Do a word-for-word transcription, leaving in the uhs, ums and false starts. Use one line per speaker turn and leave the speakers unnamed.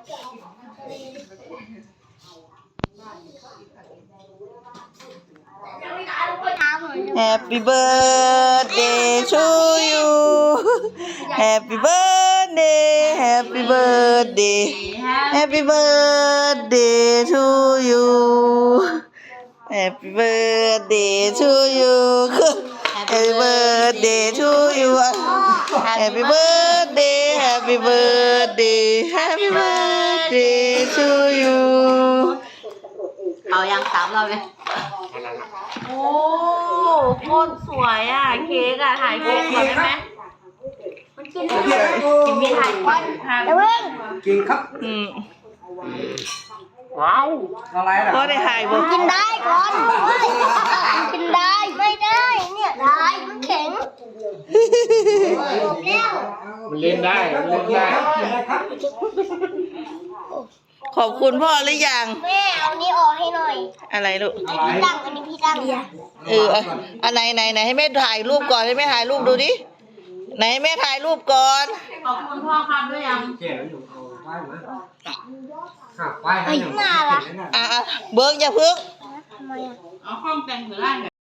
Happy birthday to you Happy birthday Happy birthday Happy birthday to you Happy birthday to you Happy birthday to you Happy birthday Happy birthday Happy birthday to you
เอายังสามรอบเลยโอ้โคตรสวยอ่ะเค้กอ่ะถ่ายเค้กก่อนได้ไหมมันกินได้กินมีถ่ายก่อนเดี๋ยวเพิ่ง
กินครับ
อืม
ว้าวอะไรล่ะ
ก็ได้หายบ่
กินได้ก่อนกินได้ไม่ได้เนี่ยได้มันแข็ง
มันเล่นได้มันเล่นได้
ขอบคุณพ่อหรือยัง
แม่เอานี้ออกให้หน่อย
อะไรลูก
อันนี้พี่ตั้งอันนี้พี่ตั้ง
เอออันไหนไหนไหนให้แม่ถ่ายรูปก่อนให้แม่ถ่ายรูปดูดิไหนให้แม่ถ่ายรูปก่อน
ขอบคุณพ่อครับด้วยยัง
เจ๋อยู่เอาไปเหมือนหักไปให้หนึ่ง
อ่ะอ่ะเบิ้งอย่าพึ่ง
ทำไมอ่ะ
เอาห้องแต่งหรือไร